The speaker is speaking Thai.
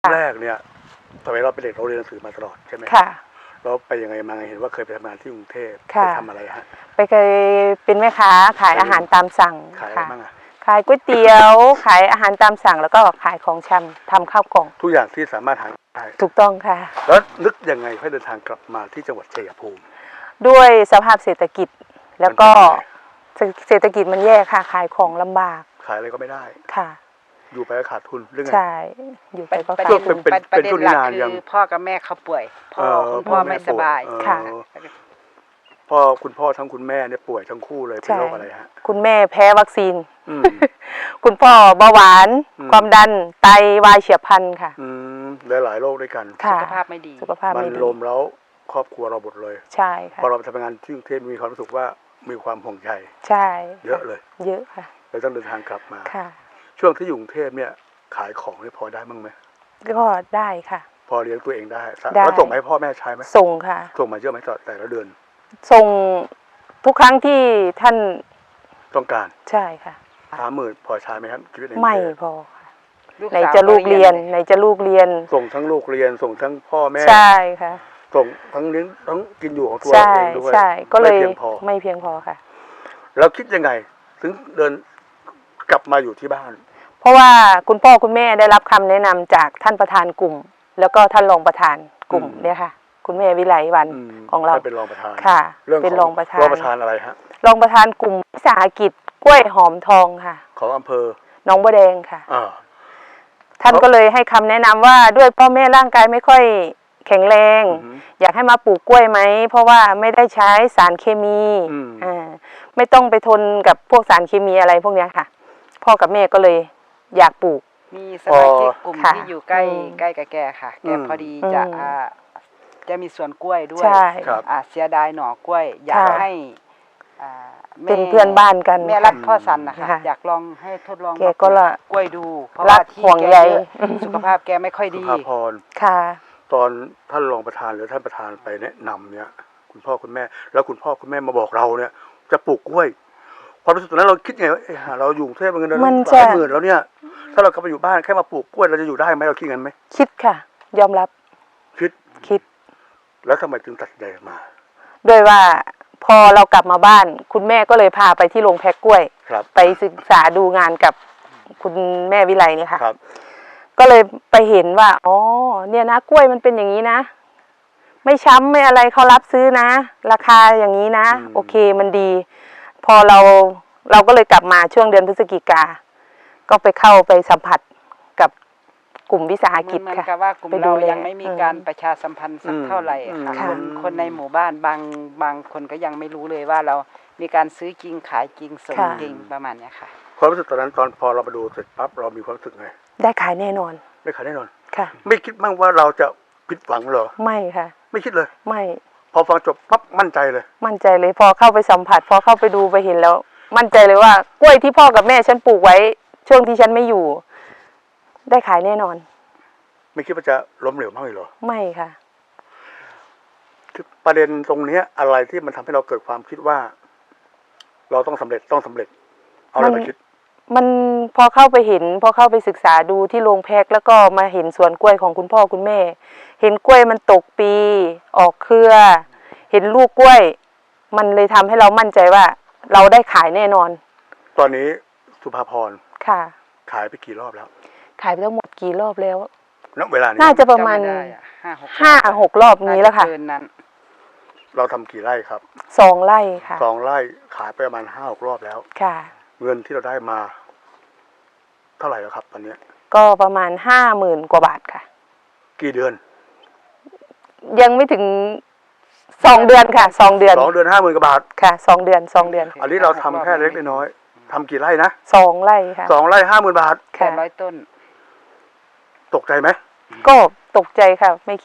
แรกเนี่ยสมัยเราเป็นเด็กเราเรียนหนังสือมาตลอดใช่ไหมค่ะเราไปยังไงมาไงเห็นว่าเคยไปทำงานที่กรุงเทพไปค่ะทำอะไรฮะไปเคยเป็นแม่ค้าขายอาหารตามสั่งขายอะไรค่ะบ้างอะขายก๋วยเตี๋ยว ขายอาหารตามสั่งแล้วก็ขายของชำทำข้าวกล่องทุกอย่างที่สามารถหาได้ถูกต้องค่ะแล้วนึกยังไงให้เดินทางกลับมาที่จังหวัดชัยภูมิด้วยสภาพเศรษฐกิจ แล้วก็มันเป็นยังไงเศรษฐกิจมันแย่ค่ะ ขายของลำบากขายอะไรก็ไม่ได้ค่ะอยู่ไปก็ขาดทุนเรื่องไงใช่อยู่ไปก็ประขาเด็ดนทุนเป็นช่วงนี้นานคืยังอพ่อกับแม่เขาป่วยคุณพ่อไม่สบายค่ะคุณพ่อทั้งคุณแม่เนี่ยป่วยทั้งคู่เลยเป็นโรคอะไรฮะคุณแม่แพ้วัคซีนอืมคุณพ่อเบาหวานอืมความดันไตวายเฉียบพลันค่ะอืมหลายโรคด้วยกันค่ะสุขภาพไม่ดีสุขภาพมันไม่ดีลมแล้วครอบครัวเราหมดเลยใช่ค่ะพอเราไปทำงานที่กรุงเทพมีความรู้สึกว่ามีความห่วงใยใช่เยอะเลยเยอะค่ะเลยต้องเดินทางกลับมาค่ะช่วงที่อยู่กรุงเทพเนี่ยขายของนี่พอได้บ้างไหมก็ได้ค่ะพอเลี้ยงตัวเองได้ได้แล้วส่งมาให้พ่อแม่ใช้ไหมส่งค่ะส่งมาเยอะไหมต่อแต่ละเดือนส่งทุกครั้งที่ท่านต้องการใช่ค่ะ 30,000พอใช้ไหมครับชีวิตในกรุงไม่เทพพอค่ะลูกไหนสาวจะลูกเรียน ไหนจะลูกเรียนส่งทั้งลูกเรียนส่งทั้งพ่อแม่ใช่ค่ะส่งทั้งเลี้ยงทั้งกินอยู่ของตัวใช่เองด้วยใช่ก็เลยไม่เพียงพอไม่เพียงพอค่ะแล้วคิดยังไง ถึงเดินกลับมาอยู่ที่บ้านเพราะว่าคุณพ่อคุณแม่ได้รับคำแนะนำจากท่านประธานกลุ่ม แล้วก็ท่านรองประธานกลุ่มอืมเนี่ยค่ะ คุณแม่วิไลวันอืมของเราท่นเป็นรองประธานค่ะเรื่องเป็นขรออง งประธานรองประธานอะไรฮะรองประธานกลุ่มวิสาหกิจกล้วยหอมทองค่ะของอำเภอหน้องบัวแดงค่ะอ่าท่านก็เลยให้คำแนะนำว่าด้วยพ่อแม่ร่างกายไม่ค่อยแข็งแรงอือหืออยากให้มาปลูกกล้วยไหมเพราะว่าไม่ได้ใช้สารเคมีอืมไม่ต้องไปทนกับพวกสารเคมีอะไรพวกเนี้ยค่ะ พ่อกับแม่ก็เลยอยากปลูกมีสมาชิกกลุ่มค่ะที่อยู่ใกล้อืมใกล้กับแกค่ะ แกอืมพอดีจะอืมจะมีสวนกล้วยด้วยใช่ครับเสียดายหน่อกล้วย อยากค่ะให้อ่าแม่เป็นเพื่อนบ้านกันแม่รักพ่อสันนะคะค่ะอยากลองให้ทดลองแกก็ละกล้วยดู เพราะรัว่าก ที่ห่วงแกใยเยอะสุขภาพแกไม่ค่อยสุดีภาพรค่ะตอนท่านรองประธานหรือท่านประธานไปแนะนำเนี่ย คุณพ่อคุณแม่ แล้วคุณพ่อคุณแม่มาบอกเราเนี่ย จะปลูกกล้วยความรู้สึกตอนนั้นเราคิดไงว่าเราอยู่กรุงเทพเงินเดือนมันหจะลายหมื่นแล้วเนี่ย ถ้าเรากลับไปอยู่บ้านแค่มาปลูกกล้วยเราจะอยู่ได้ไหมเราคิดงั้นไหมคิดค่ะ ยอมรับคิดคิดแล้วทำไมจึงตัดสินใจมาด้วยว่าพอเรากลับมาบ้าน คุณแม่ก็เลยพาไปที่โรงแพ็คกล้วยครับไปศึกษาดูงานกับคุณแม่วิไลเนี่ยค่ะครับก็เลยไปเห็นว่าอ๋อเนี่ยนะกล้วยมันเป็นอย่างนี้นะ ไม่ช้ำไม่อะไรเขารับซื้อนะ ราคาอย่างนี้นะอืมโอเคมันดี พอเราก็เลยกลับมาช่วงเดือนพฤศจิกา ก็ไปเข้าไปสัมผัสกับกลุ่มวิสาหกิจเหมือนค่ะกับว่ากลุ่มไปดูเราแลยังไม่มีการประชาสัมพันธ์สักเท่าไหร่ค่ะค่ะคนในหมู่บ้านบางคนก็ยังไม่รู้เลยว่าเรามีการซื้อจริงขายจริงส่งค่ะจริงประมาณเนี้ยค่ะความรู้สึกตอนนั้นตอนพอเรามาดูเสร็จปั๊บเรามีความรู้สึกไงได้ขายแน่นอนไม่ขายแน่นอนค่ะไม่คิดบ้างว่าเราจะผิดหวังเหรอไม่ค่ะไม่คิดเลยไม่พอฟังจบปั๊บมั่นใจเลยมั่นใจเลยพอเข้าไปสัมผัส พอเข้าไปดูไปเห็นแล้ว มั่นใจเลยว่ากล้วยที่พ่อกับแม่ฉันปลูกไว้ ช่วงที่ฉันไม่อยู่ ได้ขายแน่นอนไม่คิดว่าจะล้มเหลวมากเลยเหรอไม่ค่ะคือประเด็นตรงเนี้ยอะไรที่มันทำให้เราเกิดความคิดว่า เราต้องสำเร็จเอาอะไรมาคิดมันพอเข้าไปเห็น พอเข้าไปศึกษาดูที่โรงแพ็คแล้วก็มาเห็นสวนกล้วยของคุณพ่อคุณแม่ เห็นกล้วยมันตกปีออกเครือ เห็นลูกกล้วย มันเลยทำให้เรามั่นใจว่า เราได้ขายแน่นอนตอนนี้สุภาพรค่ะขายไปกี่รอบแล้วขายไปทั้งหมดกี่รอบแล้วณเวลานี้น่าจะประมาณจำไได้อะ 5-6 รอบนี้แล้วค่ะาจเกินนั้นเราทำกี่ไร่ครับ 2 ไร่ค่ะ 2 ไร่ขายไปประมาณ5-6 รอบแล้วค่ะเงินที่เราได้มา เท่าไหร่แล้วครับ ตอนเนี้ยก็ประมาณ50,000 กว่าบาทค่ะกี่เดือนยังไม่ถึง2 เดือนค่ะ2 เดือน 2 เดือน50,000 กว่าบาทค่ะ2 เดือน2 เดือนอันนี้เราทำแค่เล็กน้อยทำกี่ไร่นะ 2 ไร่ค่ะ 2 ไร่ 50,000 บาทแค่ค่ะ 100 ต้นตกใจไหมก็ตกใจค่ะไม่